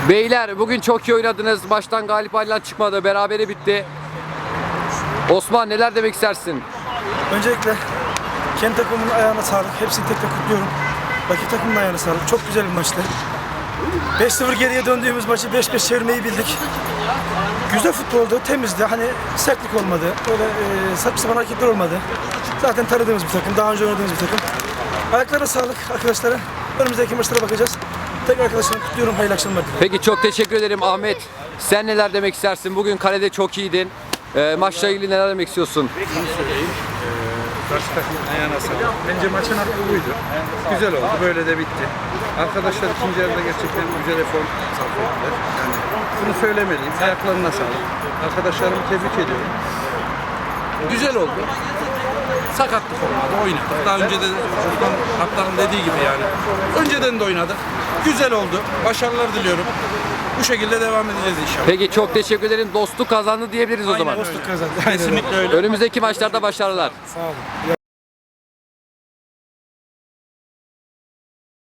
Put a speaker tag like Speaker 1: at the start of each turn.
Speaker 1: Beyler bugün çok iyi oynadınız. Maçtan galip ayrılan çıkmadı. Berabere bitti. Osman neler demek istersin?
Speaker 2: Öncelikle kendi takımımın ayağına sağlık. Hepsini tek tek kutluyorum. Rakip takımın ayağına sağlık. Çok güzel bir maçtı. 5-0 geriye döndüğümüz maçı 5-5 çevirmeyi bildik. Güzel futboldu, temizdi. Hani sertlik olmadı. Öyle saçma sapan hareketler olmadı. Zaten tanıdığımız bir takım, daha önce oynadığımız bir takım. Ayaklarına sağlık arkadaşlara. Önümüzdeki maçlara bakacağız. Tekrar arkadaşlarımı kutluyorum. Hayırlı akşamlar dilerim.
Speaker 1: Peki çok teşekkür ederim Ahmet. Sen neler demek istersin? Bugün kalede çok iyiydin. Maçla ilgili neler demek istiyorsun?
Speaker 3: Karşı takımın ayağına sağlık. Bence maçın hakkı buydu. Güzel oldu. Böyle de bitti. Arkadaşlar ikinci yarıda gerçekten güzel efor sarf ettiler. Yani bunu söylemeliyim. Ayaklarına sağlık. Arkadaşlarımı tebrik ediyorum. Güzel oldu. Sakatlık olmadı. Oynadık. Daha önce de Osman Kaptan'ın dediği gibi yani. Önceden de oynadık. Güzel oldu. Başarılar diliyorum. Bu şekilde devam edeceğiz inşallah.
Speaker 1: Peki çok teşekkür ederim. Dostluk kazandı diyebiliriz o zaman.
Speaker 2: Dostluk kazandı.
Speaker 3: Kesinlikle öyle.
Speaker 1: Önümüzdeki maçlarda başarılar.
Speaker 2: Sağ olun.